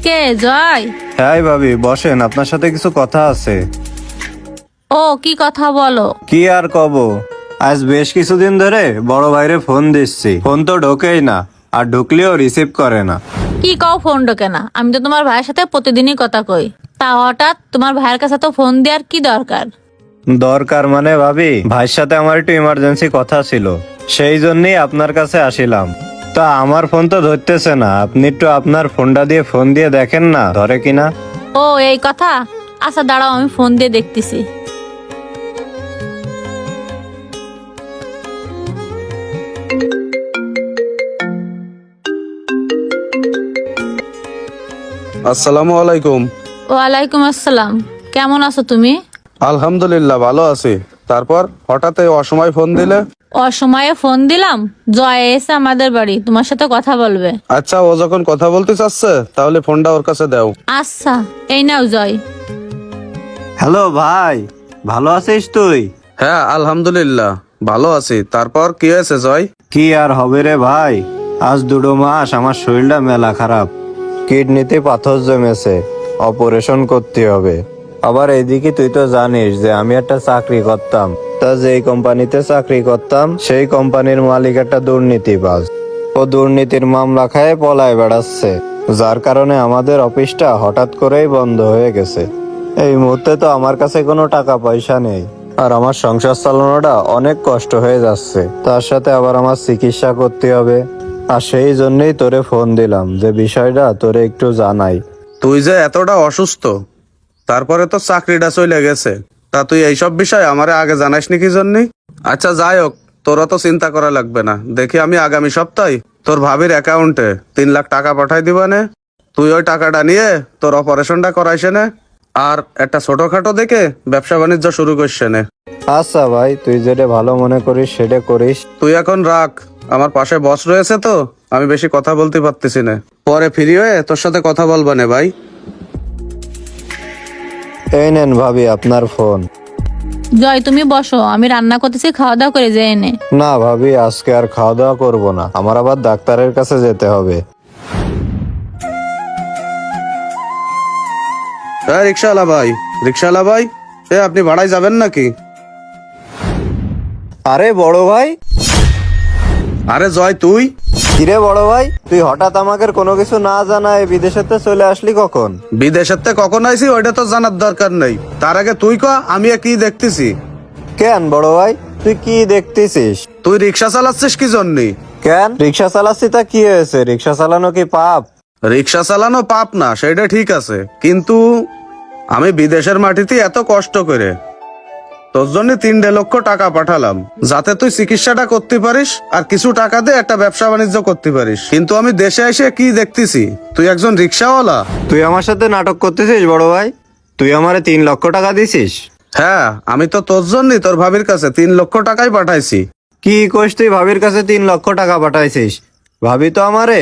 কে জয়? হ্যাঁ ভাবি বসেন, আপনার সাথে কিছু কথা আছে। ও কি কথা বলো। কি আর কব, আজ বেশ কিছুদিন ধরে বড় ভাইরে ফোন দিচ্ছি, ফোন তো ঢোকেই না, আর ঢুকলেও রিসিভ করে না। কি কও ফোন ঢোকে না? আমি তো তোমার ভাইয়ের সাথে প্রতিদিনই কথা কই, তা হঠাৎ তোমার ভাইয়ের কাছে তো ফোন দেওয়ার কি দরকার? দরকার মানে ভাবি, ভাইয়ের সাথে আমার একটু ইমার্জেন্সি কথা ছিল, সেই জন্যই আপনার কাছে আসিলাম। তা আমার ফোন তো ধরতেছে না, আপনি একটু আপনার ফোনটা দিয়ে ফোন দিয়ে দেখেন না ধরে কিনা। ও এই কথা, আচ্ছা দাঁড়াও আমি ফোন দিয়ে দেখতেছি। আসসালামু আলাইকুম। ওয়ালাইকুম আসসালাম। কেমন আছো তুমি? আলহামদুলিল্লাহ ভালো আছি। তারপর হঠাৎ এই অসময় ফোন দিলে? অসময়ে ফোন দিলাম, জয় এসে আমাদের বাড়ি তোমার সাথে কথা বলবে। আচ্ছা, ও যখন কথা বলতে চাচ্ছে তাহলে ফোনটা ওর কাছে দাও। আচ্ছা এই নাও জয়। হ্যালো ভাই, ভালো আছিস তুই? হ্যাঁ আলহামদুলিল্লাহ ভালো আছি। তারপর কি হয়েছে জয়? কি আর হবে রে ভাই, আজ 2 মাস আমার শরীরটা মেলা খারাপ, কিডনিতে পাথর জমেছে, অপারেশন করতে হবে। আবার এইদিকে তুই তো জানিস যে আমি একটা চাকরি করতাম, তা যেই কোম্পানিতে চাকরি করতাম সেই কোম্পানির মালিক একটা দুর্নীতিবাজ, ও দুর্নীতির মামলা খায় পলায় বেড়াচ্ছে, যার কারণে আমাদের অফিসটা হঠাৎ করেই বন্ধ হয়ে গেছে। এই মুহূর্তে তো আমার কাছে কোনো টাকা পয়সা নেই, আর আমার সংসার চালানোটা অনেক কষ্ট হয়ে যাচ্ছে, তার সাথে আবার আমার চিকিৎসা করতে হবে। আর সেই জন্যই তোরে ফোন দিলাম যে বিষয়টা তোরে একটু জানাই। তুই যে এতটা অসুস্থ, তারপরে তো চাকরিটা চলে গেছে, তা তুই এইসব বিষয় আমারে আগে জানাসনি কি জন্য? আচ্ছা যাই হোক, তোরা তো চিন্তা করা লাগবে না। দেখি আমি আগামী সপ্তাহে তোর ভাবির অ্যাকাউন্টে 3 লাখ টাকা পাঠাই দিবানে। তুই ওই টাকাটা নিয়ে তোর অপারেশনটা করাইছে নে, আর একটা ছোটখাটো দেখে ব্যবসা বাণিজ্য শুরু করছে নে। আচ্ছা ভাই, তুই যেটা ভালো মনে করিস সেটা করিস। তুই এখন রাখ, আমার পাশে বস রয়েছে তো, আমি বেশি কথা বলতে পারতেছি না। পরে ফ্রি হয়ে তোর সাথে কথা বলবা নে ভাই। এই নেন ভাবি আপনার ফোন। জয় তুমি বসো, আমি রান্না করতেছি, খাওয়া দাওয়া করে যে এনে। না ভাবি, আজকে আর খাওয়া দাওয়া করবো না, আমার আবার ডাক্তারের কাছে যেতে হবে। হ্যাঁ রিক্সাওয়ালা ভাই, রিক্সাওয়ালা ভাই, আপনি ভাড়ায় যাবেন নাকি? আরে বড় ভাই। আরে জয় তুই? কিরে বড় ভাই, তুই হঠাৎ আমাকে কোনো কিছু না জানায় বিদেশেতে চলে আসলি কখন? বিদেশের থেকে কখন আইসি ওইটা তো জানার দরকার নেই, তার আগে তুই ক আমি কি দেখতেছি। কেন বড় ভাই, তুই কি দেখতেছিস? তুই রিক্সা চালাচ্ছিস কি জন্যে? কেন রিক্সা চালাচ্ছি তা কি হয়েছে? রিক্সা চালানো কি পাপ? রিক্সা চালানো পাপ না, সেটা ঠিক আছে, কিন্তু আমি বিদেশের মাটিতে এত কষ্ট করে তোর জন্য 3 লক্ষ টাকা পাঠালাম, যাতে তুই চিকিৎসাটা করতে পারিস আর কিছু টাকা দিয়ে একটা ব্যবসা বাণিজ্য করতে পারিস। কিন্তু আমি দেশে এসে কি দেখতেছি, তুই একজন রিক্সাওয়ালা। তুই আমার সাথে নাটক করতেছিস বড় ভাই? তুই আমারে 3 লক্ষ টাকা দিছিস? হ্যাঁ, আমি তো তোর জন্যই তোর ভাবির কাছে 3 লক্ষ টাকাই পাঠাইছি। কি কইস তুই ভাবির কাছে 3 লক্ষ টাকা পাঠাইছিস? ভাবি তো আমারে।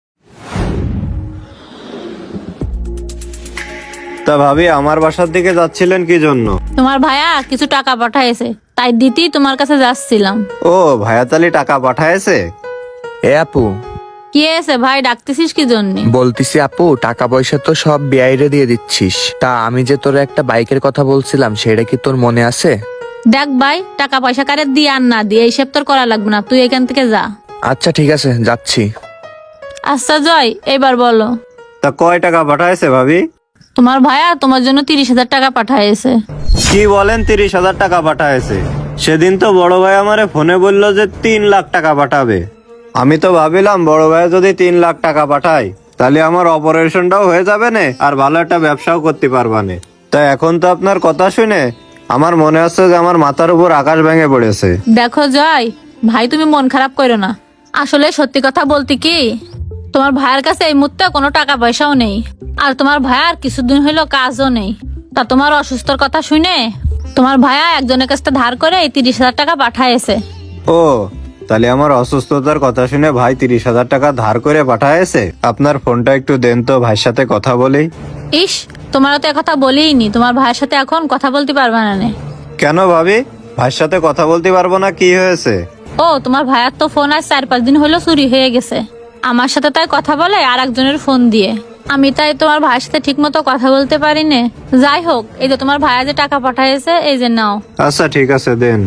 তা ভাবি আমার বাসার দিকে যাচ্ছিলেন কি জন্য? তোমার ভাইয়া কিছু টাকা পাঠাইছে, তাই দিতেই তোমার কাছে যাচ্ছিলাম। ও ভাইয়াতালি টাকা পাঠায়েছে? এ আপু, কি হয়েছে ভাই, ডাকতেছিস কি জন্য? বলতিছি আপু, টাকা পয়সা তো সব বিআইরে দিয়ে দিচ্ছিস, তা আমি যে তোর একটা বাইকের কথা বলছিলাম সেটা কি তোর মনে আছে? দেখ ভাই, টাকা পয়সা কারে দিয়ে আর না দিয়ে এইসব তোর করা লাগবে না, তুই এখান থেকে যা। আচ্ছা ঠিক আছে, যাচ্ছি। আচ্ছা জয়, এবার বলো। তা কয় টাকা পাঠায়েছে ভাবি? তোমার ভাইয়া তোমার জন্য 30,000 টাকা পাঠাইছে। কি বলেন, 30,000 টাকা পাঠায়েছে? সেদিন তো বড় ভাই আমারে ফোনে বললো যে 3 লাখ টাকা পাঠাবে। আমি তো ভাবিলাম বড় ভাই যদি 3 লাখ টাকা পাঠায় তাহলে আমার অপারেশনটাও হয়ে যাবে না, আর ভালো একটা ব্যবসাও করতে পারবানে। তা এখন তো আপনার কথা শুনে আমার মনে হচ্ছে যে আমার মাথার উপর আকাশ ভেঙে পড়েছে। দেখো জয় ভাই, তুমি মন খারাপ করো না, আসলে সত্যি কথা বলতে কি, তোমার ভাইয়ের কাছে এই মুহূর্তে কোনো টাকা পয়সাও নেই, আর তোমার ভাইয়ার কিছুদিন হইলো কাজও নেই। তা তোমার অসুস্থর কথা শুনে তোমার ভাইয়া একজনের কাছ থেকে ধার করে এই 30,000 টাকা পাঠাইছে। ও, তাহলে আমার অসুস্থতার কথা শুনে ভাই 30,000 টাকা ধার করে পাঠায়েছে। আপনার ফোনটা একটু দেন তো, ভাইয়ের সাথে কথা বলি। ইস, তোমারও তো একথা বলিনি, তোমার ভাইয়ের সাথে এখন কথা বলতে পারবে না নে। কেন ভাবি, ভাইয়ের সাথে কথা বলতে পারবো না? কি হয়েছে? ও তোমার ভাইয়ার তো ফোন আজ 4-5 দিন হলো চুরি হয়ে গেছে, আমার সাথে তাই কথা বলে আর একজনের ফোন দিয়ে। আমি তাই তোমার ভাইয়ের সাথে ঠিক মতো কথা বলতে পারি না। যাই হোক, এই যে তোমার ভাইয়া যে টাকা পাঠাইছে, এই যে নাও। আচ্ছা ঠিক আছে, দেন।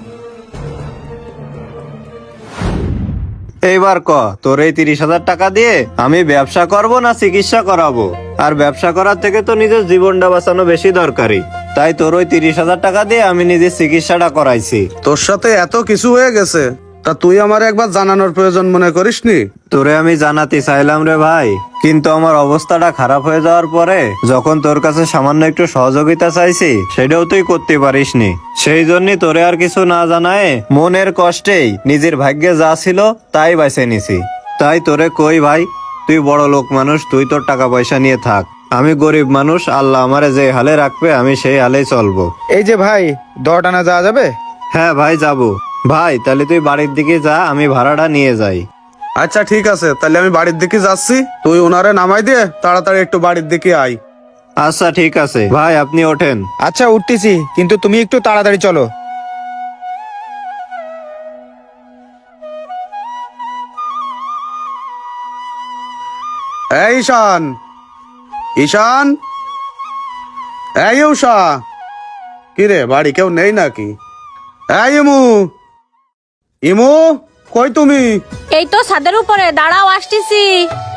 এইবার ক, তোর এই 30,000 টাকা দিয়ে আমি ব্যবসা করব না চিকিৎসা করাবো? আর ব্যবসা করার থেকে তো নিজের জীবনটা বাঁচানো বেশি দরকারি। তাই তোর ওই 30,000 টাকা দিয়ে আমি নিজের চিকিৎসাটা করাইছি। তোর সাথে এত কিছু হয়ে গেছে, তা তুই আমার একবার জানানোর প্রয়োজন মনে করিসনি? তোরে আমি জানাতে চাইলাম রে ভাই, কিন্তু আমার অবস্থাটা খারাপ হয়ে যাওয়ার পরে যখন তোর কাছে সামান্য একটু সহযোগিতা চাইছি, সেটাও তুই করতে পারিসনি। সেই জন্যই তোরে আর কিছু না জানায় মনের কষ্টেই নিজের ভাগ্যে যা ছিল তাই বেছে নিছি। তাই তোরে কই ভাই, তুই বড় লোক মানুষ, তুই তোর টাকা পয়সা নিয়ে থাক। আমি গরিব মানুষ, আল্লাহ আমারে যে হালে রাখবে আমি সেই হালেই চলবো। এই যে ভাই, 10 আনা যাওয়া যাবে? হ্যাঁ ভাই, যাবো। ভাই তাহলে তুই বাড়ির দিকে যা, আমি ভাড়াটা নিয়ে যাই। আচ্ছা ঠিক আছে, তাহলে আমি বাড়ির দিকে যাচ্ছি, তুই ওনারে নামাই দিয়ে তাড়াতাড়ি একটু বাড়ির দিকে আয়। আচ্ছা ঠিক আছে ভাই, আপনি ওঠেন। আচ্ছা উঠতেছি, কিন্তু তুমি একটু তাড়াতাড়ি চলো। এই ঈশান, ঈশান, এই উষা, কি রে বাড়ি কেউ নেই নাকি? এই ইমু, ইমু কই তুমি? এই তো ছাদের উপরে, দাঁড়াও আসতেছি।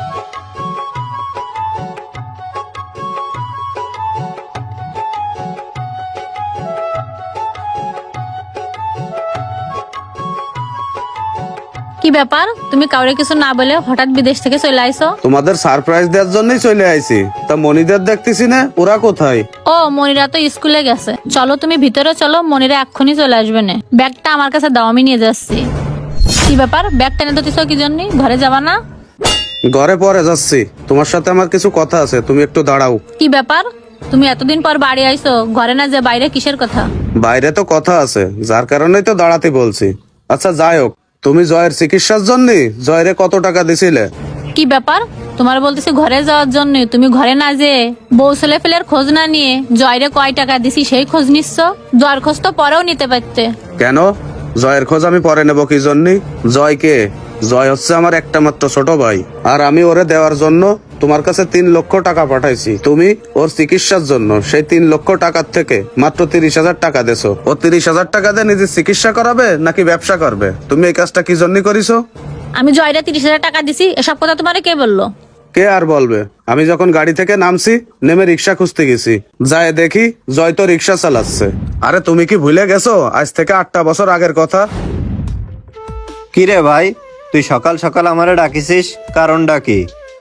কি ব্যাপার, তুমি কাউরে কিছু না বলে হঠাৎ বিদেশ থেকে চলে আইছো? তোমাদের সারপ্রাইজ দেওয়ার জন্যই চলে আইছি। তা মনিদের দেখতেছি না, ওরা কোথায়? ও, মনিরা তো স্কুলে গেছে। চলো তুমি ভিতরে চলো, মনিরা এক্ষুনি চলে আসবে না। ব্যাগটা আমার কাছে দাও, আমি নিয়ে যাচ্ছি। কি ব্যাপার, ব্যাগ টেনে দিতেছো কি জন্য? ঘরে যাবা না? ঘরে পরে যাচ্ছি, তোমার সাথে আমার কিছু কথা আছে, তুমি একটু দাঁড়াও। কি ব্যাপার, তুমি এতদিন পর বাড়ি আইছো, ঘরে না যে বাইরে কিসের কথা? বাইরে তো কথা আছে, যার কারণেই তো দাঁড়াতে বলছি। আচ্ছা যাই হোক, তুমি জয়ের চিকিৎসার জন্য জয়রে কত টাকা দিছিলে? কি ব্যাপার, তোমার বলতেছি ঘরে যাওয়ার জন্য, তুমি ঘরে না যে বউ ছেলে ফেলের খোঁজ না নিয়ে জয়রে কয় টাকা দিছি সেই খোঁজ নিচ্ছ? জয়ের খোঁজ তো পরেও নিতে পারতে। কেন জয়ের খোঁজ আমি পরে নেব কি জন্য? জয় কে? জয় হচ্ছে আমার একটা মাত্র ছোট ভাই, আর আমি ওরে দেওয়ার জন্য তোমার কাছে 3 লক্ষ টাকা পাঠাইছি। তুমি ওর চিকিৎসার জন্য সেই 3 লক্ষ টাকার থেকে মাত্র 30,000 টাকা দেছো। ও 30,000 টাকা দিয়ে নিজের চিকিৎসা করাবে নাকি ব্যবসা করবে? তুমি এই কাজটা কি জন্য করিছো? আমি জয়রে 30,000 টাকা দিছি, এসব কথা তোমারে কে বললো? কে আর বলবে? আমি যখন গাড়ি থেকে নামছি, নেমে রিক্সা খুঁজতে গেছি, যায় দেখি জয় তো রিক্সা চালাচ্ছে। আরে তুমি কি ভুলে গেছো আজ থেকে 8টা বছর আগের কথা? কি রে ভাই, তুই সকাল সকাল আমারে ডাকিছিস, কারণটা কি?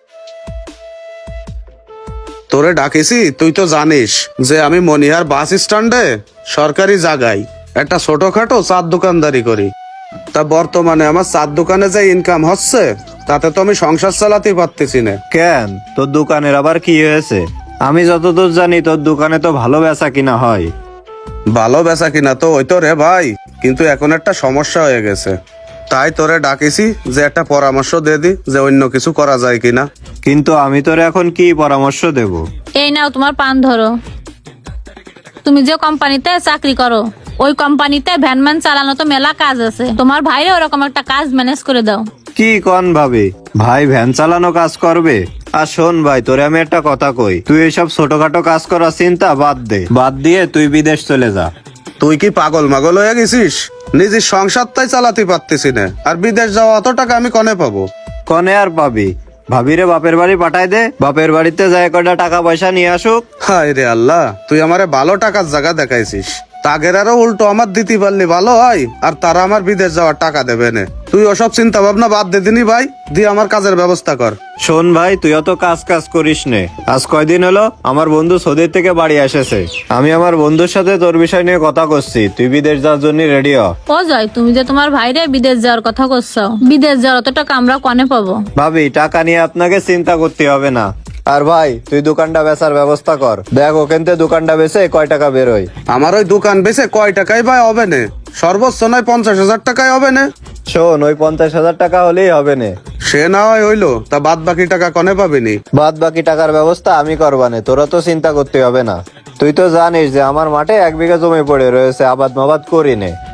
তোরে ডাকিছি তুই তো জানিস যে আমি মনিহার বাস স্ট্যান্ডে সরকারি জায়গায় একটা ছোটখাটো চার দোকানদারি করি। তা বর্তমানে আমার চার দোকানে যে ইনকাম হচ্ছে, তাতে তো আমি সংসার চালাতে পারতেছি না। কেন, তোর দোকানের আবার কি হয়েছে? আমি যতদূর জানি তোর দোকানে তো ভালো বেচা কিনা হয়। ভালো বেচা কিনা তো ওই তো রে ভাই, কিন্তু এখন একটা সমস্যা হয়ে গেছে। তাই তোরে ডাকিছি যে একটা পরামর্শ দিয়ে দি যে অন্য কিছু করা যায় কিনা। কিন্তু আমি তোর এখন কি পরামর্শ দেব? এই নাও তোমার পান ধরো। তুমি যে কোম্পানিতে চাকরি করো, ওই কোম্পানিতে ভ্যানম্যান চালানো তো মেলা কাজ আছে। তোমার ভাইরে ওরকম একটা কাজ ম্যানেজ করে দাও। কি কন ভাবি, ভাই ভ্যান চালানো কাজ করবে? আর শোন ভাই, তোরে আমি একটা কথা কই, তুই এইসব ছোটখাটো কাজ করার চিন্তা বাদ দে, বাদ দিয়ে তুই বিদেশ চলে যা। তুই কি পাগল মাগল হয়ে গেছিস? নিজের সংসারটাই চালাতে পারতেছি না, আর বিদেশ যাওয়া অত টাকা আমি কনে পাবো? কনে আর পাবি? ভাবিরে বাপের বাড়ি পাঠাই দে, বাপের বাড়িতে যায় কয়টা টাকা পয়সা নিয়ে আসুক। হায় রে আল্লাহ, তুই আমারে ভালো টাকার জায়গা দেখাইছিস। তাগের আরো উল্টো আমার দিতে পারলি ভালো হয়, আর তারা আমার বিদেশ যাওয়ার টাকা দেবে না। তুই ওসব চিন্তা ভাবনা বাদ দে দিনি ভাই, দিয়ে আমার কাজের ব্যবস্থা কর। শোন ভাই, তুই অত কাজ কাজ করিস নে। আজ কয়দিন হলো আমার বন্ধু সৌদির থেকে বাড়ি এসেছে, আমি আমার বন্ধুর সাথে তোর বিষয় নিয়ে কথা করছি, তুই বিদেশ যাওয়ার জন্য রেডি হ। ও জয়, তুমি যে তোমার ভাইরে বিদেশ যাওয়ার কথা করছো, বিদেশ যাওয়ার অত টাকা আমরা কনে পাবো? ভাবি, টাকা নিয়ে আপনাকে চিন্তা করতে হবে না। আর ভাই, তুই দোকানটা বেচার ব্যবস্থা কর, দেখ ওখান থেকে দোকানটা বেচে কয় টাকা বেরোয়। আমার ওই দোকান বেচে কয় টাকাই ভাই হবে না? সর্বোচ্চ নয় 50,000 টাকাই হবে না? শোন, ওই 50,000 টাকা হলেই হবে না। সে না হয় হইলো, তা বাদ বাকি টাকা কনে পাবিনি? বাদ বাকি টাকার ব্যবস্থা আমি করবানে, তোরা তো চিন্তা করতে হবে না। তুই তো জানিস যে আমার মাঠে 1 বিঘা জমি পড়ে রয়েছে, আবাদ মাবাদ করি নে।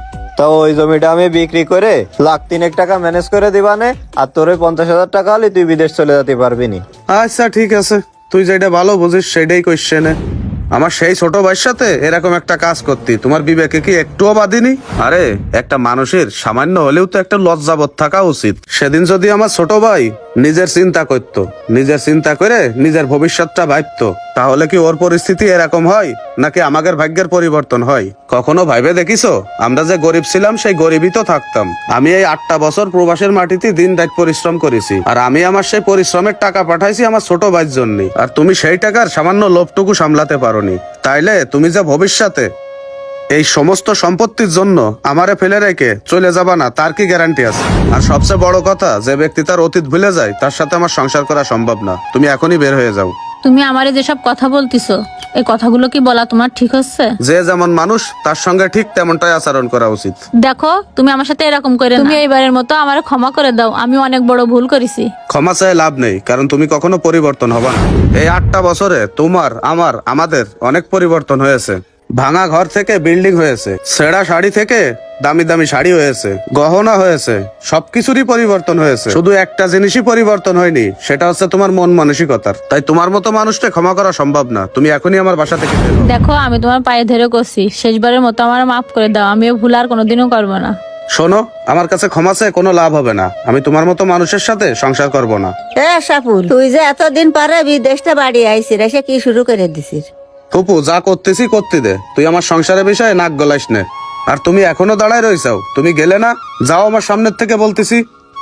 তো ওই জমিটা আমি বিক্রি করে 1,03,000 টাকা ম্যানেজ করে দিবানে, আর তোর ওই 50,000 টাকা হলে তুই বিদেশ চলে যেতে পারবি নি। আচ্ছা ঠিক আছে, তুই যেটা ভালো বুঝিস সেটাই কোশ্চেনে। আমার সেই ছোট ভাইয়ের সাথে এরকম একটা কাজ করতি, তোমার বিবেকে কি একটুও বাদিনি? আরে একটা মানুষের সামান্য হলেও তো একটা লজ্জাবোধ থাকা উচিত। সেদিন যদি আমার ছোট ভাই নিজের চিন্তা করতো, নিজের চিন্তা করে নিজের ভবিষ্যৎটা ভাবতো, তাহলে কি ওর পরিস্থিতি এরকম হয়, নাকি আমাদের ভাগ্যের পরিবর্তন হয়? কখনো ভাইবে দেখিছো আমরা যে গরিব ছিলাম সেই গরিবই তো থাকতাম? আমি এই 8টা বছর প্রবাসের মাটিতে দিন রাত পরিশ্রম করেছি, আর আমি আমার সেই পরিশ্রমের টাকা পাঠাইছি আমার ছোট ভাইয়ের জন্য। আর তুমি সেই টাকার সামান্য লোভটুকু সামলাতে পারোনি, তাইলে তুমি যে ভবিষ্যতে এই সমস্ত সম্পত্তির জন্য আমারে ফেলে রেখে চলে যাবা না, তার কি গ্যারান্টি আছে? আর সবচেয়ে বড় কথা, যে ব্যক্তি তার অতীত ভুলে যায় তার সাথে আমার সংসার করা সম্ভব না। তুমি এখনই বের হয়ে যাও। তুমি আমারে যেসব কথা বলতিছো, এই কথাগুলো কি বলা তোমার ঠিক হচ্ছে? যে যেমন মানুষ তার সঙ্গে ঠিক তেমনটাই আচরণ করা উচিত। দেখো, তুমি আমার সাথে এরকম করে না। তুমি এইবারের মতো আমারে ক্ষমা করে দাও, আমি অনেক বড় ভুল করেছি। ক্ষমা চাই লাভ নেই, কারণ তুমি কখনো পরিবর্তন হবা না। এই 8টা বছরে তোমার, আমার, আমাদের অনেক পরিবর্তন হয়েছে। ভাঙা ঘর থেকে বিল্ডিং হয়েছে, ছেঁড়া শাড়ি থেকে দামি দামি শাড়ি হয়েছে, গহনা হয়েছে, সবকিছুরই পরিবর্তন হয়েছে। শুধু একটা জিনিসই পরিবর্তন হয়নি, সেটা হচ্ছে তোমার মন মানসিকতার। তাই তোমার মতো মানুষকে ক্ষমা করা সম্ভব না। তুমি এখনই আমার বাসা থেকে বের হও। দেখো, আমি তোমার পায়ে ধরে করছি, শেষবারের মতো আমার মাফ করে দাও, আমিও ভুল আর কোনোদিনও করবো না। শোনো, আমার কাছে ক্ষমা চেয়ে কোনো লাভ হবে না। আমি তোমার মতো মানুষের সাথে সংসার করব না। এ সাপুল, তুই যে এতদিন পরে বিদেশটা বাড়ি আইসি রে, সে কি শুরু করে দিছিস? ফুপু, যা করতেছি করতে দে, তুই আমার সংসারের বিষয়ে নাক গলাইস নে। আর তুমি এখনো দাঁড়ায় রইছাও, তুমি গেলে না? যাও আমার সামনের থেকে বলতেছি।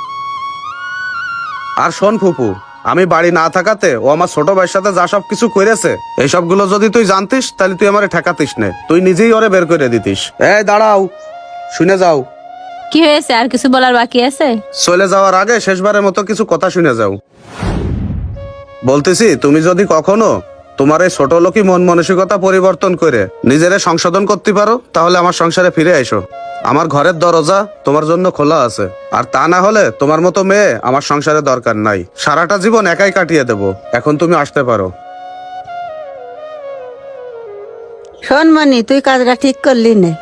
আর শোন ফুপু, আমি বাড়ি না থাকাতে ও আমার ছোট ভাইয়ের সাথে যা সব কিছু করেছে, এই সবগুলো যদি তুই জানতিস তাহলে তুই আমারে ঠেকাতিস নে, তুই নিজেই ওরে বের করে দিতিস। এই দাঁড়াও, শুনে যাও। কি হয়েছে, আর কিছু বলার বাকি আছে? চলে যাওয়ার আগে শেষবারের মতো কিছু কথা শুনে যাও। বলতেছি, তুমি যদি কখনো তোমার এই ছোট লোকই মন মানসিকতা পরিবর্তন করে নিজেরে সংশোধন করতে পারো, তাহলে আমার সংসারে ফিরে এসো। আমার ঘরের দরজা তোমার জন্য খোলা আছে। আর তা না হলে তোমার মতো মেয়ে আমার সংসারে দরকার নাই। সারাটা জীবন একাই কাটিয়ে দেব। এখন তুমি আসতে পারো। শোন মনি, তুই কাজটা ঠিক করলি না।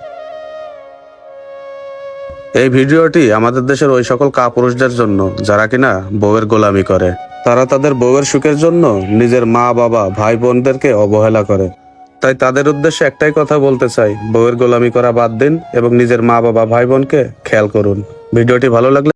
এই ভিডিওটি আমাদের দেশের ওই সকল কাপুরুষদের জন্য যারা কিনা বউয়ের গোলামি করে। তারা তাদের বউয়ের সুখের জন্য নিজের মা বাবা ভাই বোনদেরকে অবহেলা করে। তাই তাদের উদ্দেশ্যে একটাই কথা বলতে চাই, বউয়ের গোলামি করা বাদ দিন এবং নিজের মা বাবা ভাই বোনকে খেয়াল করুন। ভিডিওটি ভালো লাগলে